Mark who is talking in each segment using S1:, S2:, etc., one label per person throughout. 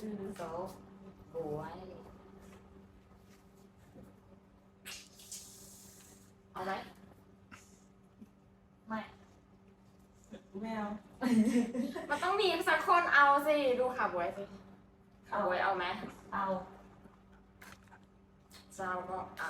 S1: 手不爱เอาไหมไม่
S2: ไม่เอา
S1: มันต้องมีสักคนเอาสิดูขาบวยสิขาบวยเอาไหม
S2: เอา
S1: เจ้าก็เอา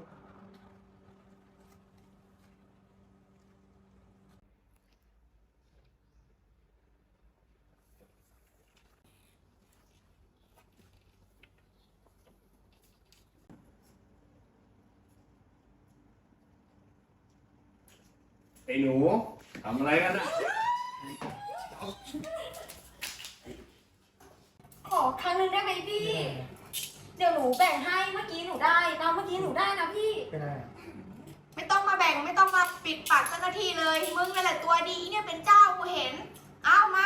S3: ไอ้หนูทำอะไรกันอะ
S1: ขอครั้งนึงได้ไหมพี่ เดี๋ยวหนูแบ่งให้เมื่อกี้หนูได้นะเมื่อกี้หนูได้นะพี่
S3: ไม่ได้
S2: ไม่ต้องมาแบ่งไม่ต้องมาปิดปากเจ้าหน้าที่เลยมึงนั่นแหละตัวดีเนี่ยเป็นเจ้ากูเห็นเอามา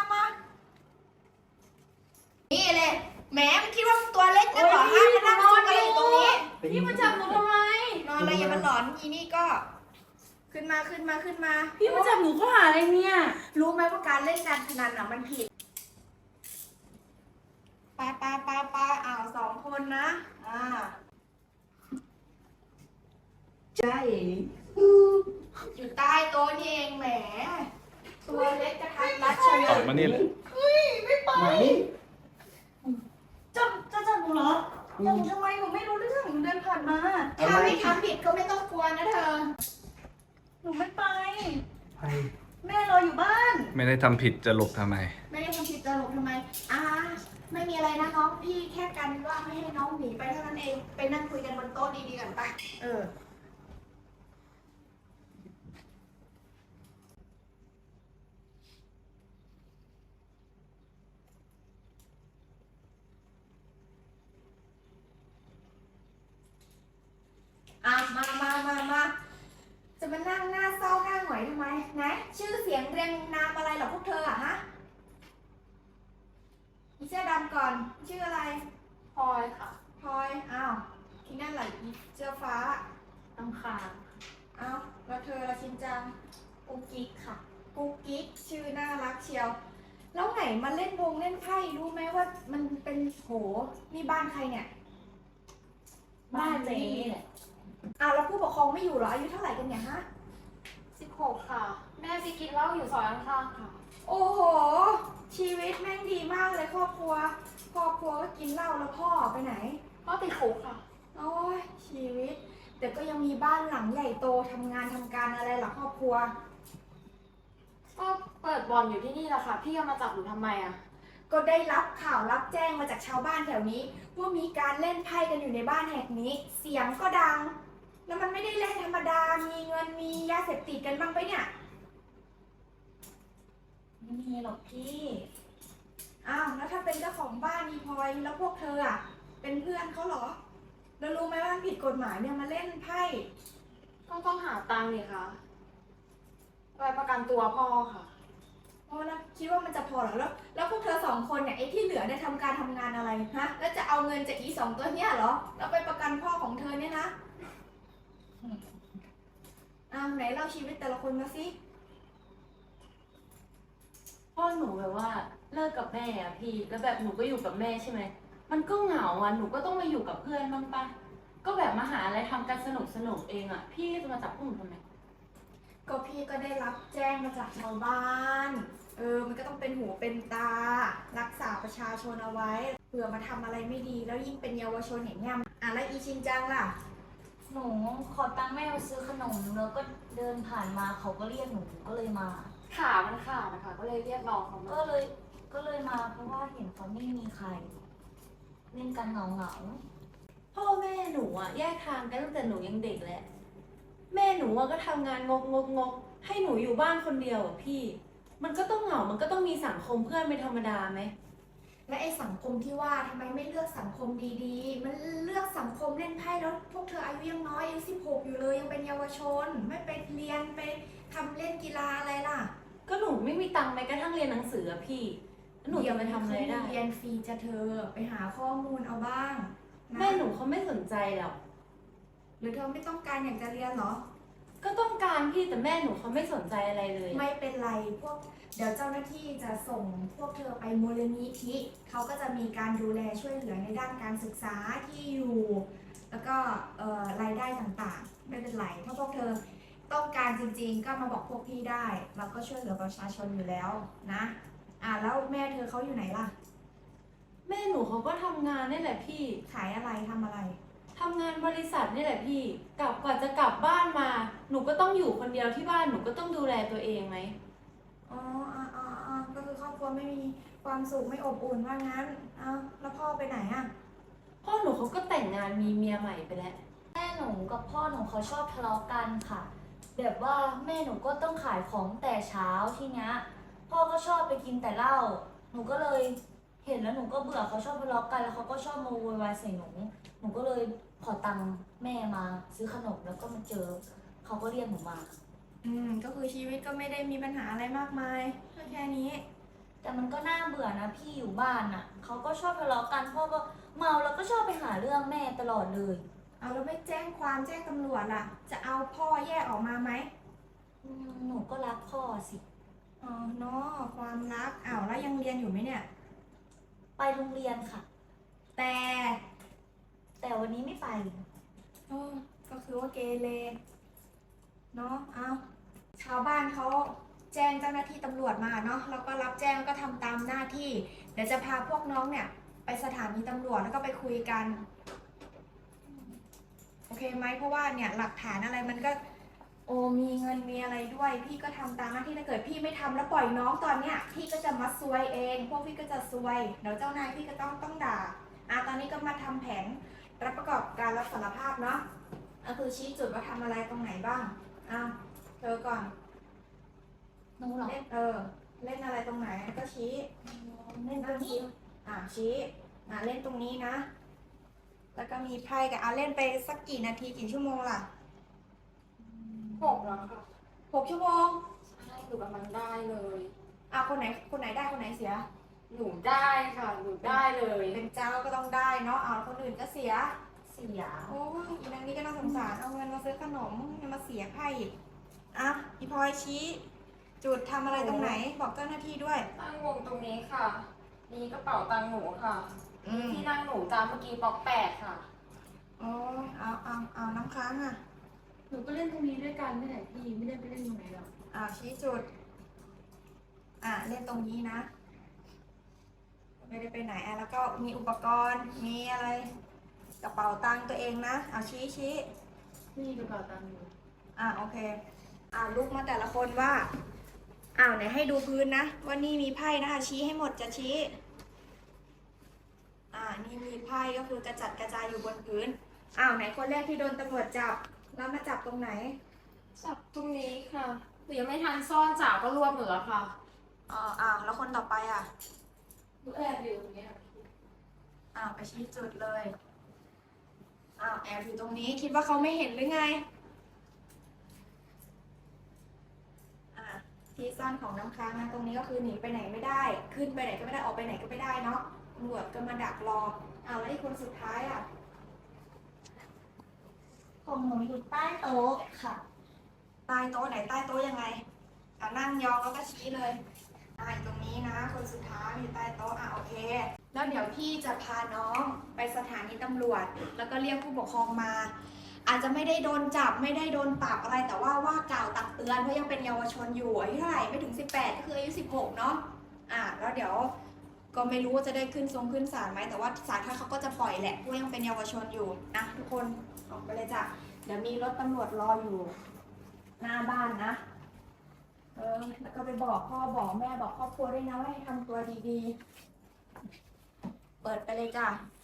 S2: นี่เลยแหมมันคิดว่ามึงตัวเล็กนะเหรอฮะมานั่งซุกอะไรอยู่ตรงนี้
S1: พี่มาจับหนูทำไม
S2: นอนอะไรอย่ามาหลอนอีนี่ก็ ขึ้นมา
S4: พี่มาจับหนูข้อหาอะไรเนี่ย
S2: รู้ไหมว่าการเล่นการพนันอ่ะมันผิดไปอ้าว2 คนนะใช่อยู่ใต้โต๊ะนี่เองแหมตัวเล็กกระทัดรัดเชียว
S3: ออกมานี่เลย
S2: มานี่จะจับหนูเหรอจับหนูทำไมหนูไม่รู้เรื่องหนูเดินผ่านมาถ้าไม่ทำผิดก็ไม่ต้องกลัวนะเธอ
S4: หนูไม่ไป
S3: ไป
S4: แม่รออยู่บ้าน
S3: ไม่ได้ทำผิดจะหลบทำไม
S2: ไม่ได้ทำผิดจะหลบทำไมไม่มีอะไรนะน้องพี่แค่กันว่าไม่ให้น้องหนีไปเท่านั้นเองไปนั่งคุยกันบนโต๊ะดีๆกันไปมาจะมานั่งหน้าเศร้าหน้าหงอยทำไมไหนชื่อเสียงเรียงนามอะไรเหรอพวกเธออะฮะอีเสื้อดำก่อนชื่ออะไร
S1: พลอยค่ะ
S2: พลอยที่นั่นไหละอีเสื้อฟ้า
S1: น้ำคาง
S2: แล้วเธอละชินจัง
S1: กุ๊กกิ๊กค่ะ
S2: กุ๊กกิ๊กชื่อน่ารักเชียว แล้วไหนมาเล่นเล่นไพ่รู้ไหมว่ามันเป็นโหนี่บ้านใครเนี่ย
S1: บ้านเจ๊แหละ
S2: แล้วผู้ปกครองไม่อยู่เหรออายุเท่าไหร่กันเนี่ยฮะ
S1: 16 ค่ะ แม่ไปกินเหล้าอยู่ซอยข้างๆค่ะ
S2: โอ้โห ชีวิตแม่งดีมากเลยครอบครัวก็กินเหล้าแล้วพ่อไปไหน
S1: พ่อติดคุกค่ะ
S2: โอ้ยชีวิตแต่ก็ยังมีบ้านหลังใหญ่โตทำงานทำการอะไรหรอครอบครัว
S1: ก็เปิดบอลอยู่ที่นี่แหละค่ะ พี่เอามาจับหนูทำไมอะ
S2: ก็ได้รับข่าวรับแจ้งมาจากชาวบ้านแถวนี้ว่ามีการเล่นไพ่กันอยู่ในบ้านแห่งนี้ เสียงก็ดัง แล้วมันไม่ได้เล่นธรรมดา มีเงินมียาเสพติดกันบ้างไปเนี่ย
S4: ไม่มีหรอกพี่
S2: แล้วถ้าเป็นเจ้าของบ้านมีพลอยแล้วพวกเธอเป็นเพื่อนเขาเหรอแล้วรู้ไหมว่ามันผิดกฎหมายเนี่ยมาเล่นไพ่
S1: ก็ต้องหาตังค์นี่ค่ะไปประกันตัวพ่อค่ะ
S2: เพราะนะคิดว่ามันจะพอเหรอแล้วพวกเธอ2 คนเนี่ยไอ้ที่เหลือเนี่ยทำงานอะไรฮะแล้วจะเอาเงินจากอี2 ตัวเนี่ยเหรอแล้วไปประกันพ่อของเธอเนี่ยนะไหนเล่าชีวิตแต่ละคนมาสิ
S4: พ่อหนูแบบว่าเลิกกับแม่อะพี่ แล้วแบบหนูก็อยู่กับแม่ใช่ไหม มันก็เหงาอะหนูก็ต้องมาอยู่กับเพื่อนบ้างปะก็แบบมาหาอะไรทำกันสนุกเองอะพี่จะมาจับพวกหนูทำไม
S2: ก็พี่ก็ได้รับแจ้งมาจากชาวบ้าน มันก็ต้องเป็นหูเป็นตา รักษาประชาชนเอาไว้เผื่อมาทำอะไรไม่ดีแล้วยิ่งเป็นเยาวชนอย่างเงี้ยแล้วอีชินจังล่ะ
S4: หนูขอตังค์แม่มาซื้อขนมแล้วก็เดินผ่านมาเขาก็เรียกหนูก็เลยมา
S1: ขามันขาดนะคะก็เลยเรียกน้องเขามา
S4: ก็เลยมาเพราะว่าเห็นเขาไม่มีใคร เล่นกันเหงาพ่อแม่หนูอะแยกทางกันตั้งแต่หนูยังเด็กแหละแม่หนูอะก็ทำงานงกให้หนูอยู่บ้านคนเดียวอะพี่ มันก็ต้องเหงา มันก็ต้องมีสังคมเพื่อนเป็นธรรมดาไหม
S2: และไอ้สังคมที่ว่าทำไมไม่เลือกสังคมดีๆ มันเลือกสังคมเล่นไพ่แล้วพวกเธออายุยังน้อยอายุ16อยู่เลยยังเป็นเยาวชน ไม่ไปเรียนไปทำเล่นกีฬาอะไรล่ะ
S4: ก็หนูไม่มีตังค์แม้กระทั่งเรียนหนังสืออะพี่แล้วหนูจะไปทำอะไรได้
S2: เรียนฟรีจะเธอไปหาข้อมูลเอาบ้างนะ
S4: แม่หนูเขาไม่สนใจหรอก
S2: หรือเธอไม่ต้องการอยากจะเรียนเหรอ
S4: ก็ต้องการพี่แต่แม่หนูเขาไม่สนใจอะไรเลย
S2: ไม่เป็นไรเดี๋ยวเจ้าหน้าที่จะส่งพวกเธอไปมูลนิธิเขาก็จะมีการดูแลช่วยเหลือในด้านการศึกษาที่อยู่ แล้วก็รายได้ต่างๆไม่เป็นไรถ้าพวกเธอต้องการจริงๆก็มาบอกพวกพี่ได้เราก็ช่วยเหลือประชาชนอยู่แล้วนะแล้วแม่เธอเขาอยู่ไหนล่ะ
S4: แม่หนูเขาก็ทำงานนี่แหละพี่
S2: ขายอะไรทำอะไร
S4: ทำงานบริษัทนี่แหละพี่ก่อนจะกลับบ้านมา หนูก็ต้องอยู่คนเดียวที่บ้านหนูก็ต้องดูแลตัวเองไหม
S2: อ๋อก็คือครอบครัวไม่มีความสุขไม่อบอุ่นว่างั้นแล้วพ่อไปไหนอ่ะ
S4: พ่อหนูเขาก็แต่งงานมีเมียใหม่ไปแล้ว
S5: แม่หนูกับพ่อหนูเขาชอบทะเลาะกันค่ะ แบบว่าแม่หนูก็ต้องขายของแต่เช้าทีเนี้ยพ่อก็ชอบไปกินแต่เหล้าหนูก็เลยเห็นแล้วหนูก็เบื่อเขาชอบทะเลาะกันแล้วเขาก็ชอบมาโวยวายใส่หนูก็เลยขอตังค์แม่มาซื้อขนมแล้วก็มาเจอเขาก็เรียกหนูมา
S2: ก็คือชีวิตก็ไม่ได้มีปัญหาอะไรมากมายก็แค่นี้
S5: แต่มันก็น่าเบื่อนะพี่อยู่บ้านน่ะเขาก็ชอบทะเลาะกันพ่อก็เมาแล้วก็ชอบไปหาเรื่องแม่ตลอดเลย
S2: แล้วไม่แจ้งความแจ้งตำรวจล่ะ จะเอาพ่อแยกออกมาไหม
S5: หนูก็รักพ่อสิ
S2: อ๋อเนาะความรักแล้วยังเรียนอยู่ไหมเนี่ย
S5: ไปโรงเรียนค่ะ
S2: แต่
S5: แต่วันนี้ไม่ไป
S2: ก็คือว่าเกเรเนาะชาวบ้านเขาแจ้งเจ้าหน้าที่ตำรวจมาเนาะเราก็รับแจ้งแล้วก็ทำตามหน้าที่ เดี๋ยวจะพาพวกน้องเนี่ย ไปสถานีตำรวจแล้วก็ไปคุยกัน โอเคไหมเพราะว่าเนี่ยหลักฐานอะไรมันก็มีเงินมีอะไรด้วย พี่ก็ทำตามหน้าที่ถ้าเกิดพี่ไม่ทำแล้วปล่อยน้องตอนเนี้ยพี่ก็จะมาซวยเองพวกพี่ก็จะซวยเดี๋ยวเจ้านายพี่ก็ต้องด่าตอนนี้ก็มาทำแผนรับประกอบการรับสารภาพเนาะคือชี้จุดว่าทำอะไรตรงไหนบ้างเธอก่อน
S5: หนูเหรอ
S2: เล่นเล่นอะไรตรงไหนก็ชี้
S5: เล่นตรงนี้
S2: ชี้เล่นตรงนี้นะ แล้วก็มีไพ่กับเล่นไปสักกี่นาทีกี่ชั่วโมงล่ะ
S1: 6แล้วค่ะ
S2: 6 ชั่วโมง
S1: ใช่หนูกำลังได้เลย
S2: คนไหนได้คนไหนเสีย
S1: หนูได้ค่ะหนูได้เลย
S2: เป็นเจ้าก็ต้องได้เนาะคนอื่นก็เสีย
S5: เสีย
S2: โอ้ยอีนางนี้ก็น่าสงสารเอาเงินมาซื้อขนมยังมาเสียไพ่อีกอีพลอยชี้ จุดทำอะไรตรงไหนบอกเจ้าหน้าที่ด้วย
S1: ตั้งวงตรงนี้ค่ะ นี่กระเป๋าตังค์หนูค่ะ ที่นั่งหนูจำเมื่อกี้บล็อก8ค่ะ
S2: เอาน้ำค้าง
S4: หนูก็เล่นตรงนี้ด้วยกันนี่แหละพี่ไม่ได้ไปเล่นตรงไหนหรอก
S2: ชี้จุดเล่นตรงนี้นะ ไม่ได้ไปไหนแล้วก็มีอุปกรณ์มีอะไรกระเป๋าตังค์ตัวเองนะชี้
S4: นี่กระเป๋าตังค์อยู่
S2: โอเคลุกมาแต่ละคนว่าไหนให้ดูพื้นนะว่านี่มีไพ่นะคะชี้ให้หมดจะชี้นี่มีไพ่ก็คือกระจัดกระจายอยู่บนพื้นไหนคนแรกที่โดนตำรวจจับแล้วมาจับตรงไหน
S1: จับตรงนี้ค่ะหนูยังไม่ทันซ่อนจ่าก็รวบหนูแล้วค่ะ
S2: แล้วคนต่อไป
S1: หนูแอบอยู่ตรงนี้ค่ะ
S2: ไปชี้จุดเลยแอบอยู่ตรงนี้คิดว่าเขาไม่เห็นหรือไงที่ซ่อนของน้ำค้างตรงนี้ก็คือหนีไปไหนไม่ได้ ขึ้นไปไหนก็ไม่ได้ออกไปไหนก็ไม่ได้เนาะตำรวจก็มาดักรอแล้วอีกคนสุดท้าย
S5: ของหนูอยู่ใต้โต๊ะค่ะ
S2: ใต้โต๊ะไหนใต้โต๊ะยังไงนั่งยองแล้วก็ชี้เลยอยู่ตรงนี้นะคนสุดท้ายอยู่ใต้โต๊ะโอเคแล้วเดี๋ยวพี่จะพาน้องไปสถานีตำรวจแล้วก็เรียกผู้ปกครองมา อาจจะไม่ได้โดนจับไม่ได้โดนปรับอะไรแต่ว่าว่ากล่าวตักเตือนเพราะยังเป็นเยาวชนอยู่อายุเท่าไหร่ไม่ถึง18ก็คืออายุ16เนาะแล้วเดี๋ยวก็ไม่รู้ว่าจะได้ขึ้นศาลไหมแต่ว่าศาลท่านเขาก็จะปล่อยแหละเพราะยังเป็นเยาวชนอยู่ทุกคนออกไปเลยจ้ะเดี๋ยวมีรถตำรวจรออยู่หน้าบ้านนะแล้วก็ไปบอกพ่อบอกแม่บอกครอบครัวด้วยนะว่าให้ทำตัวดีๆเปิดไปเลยจ้ะ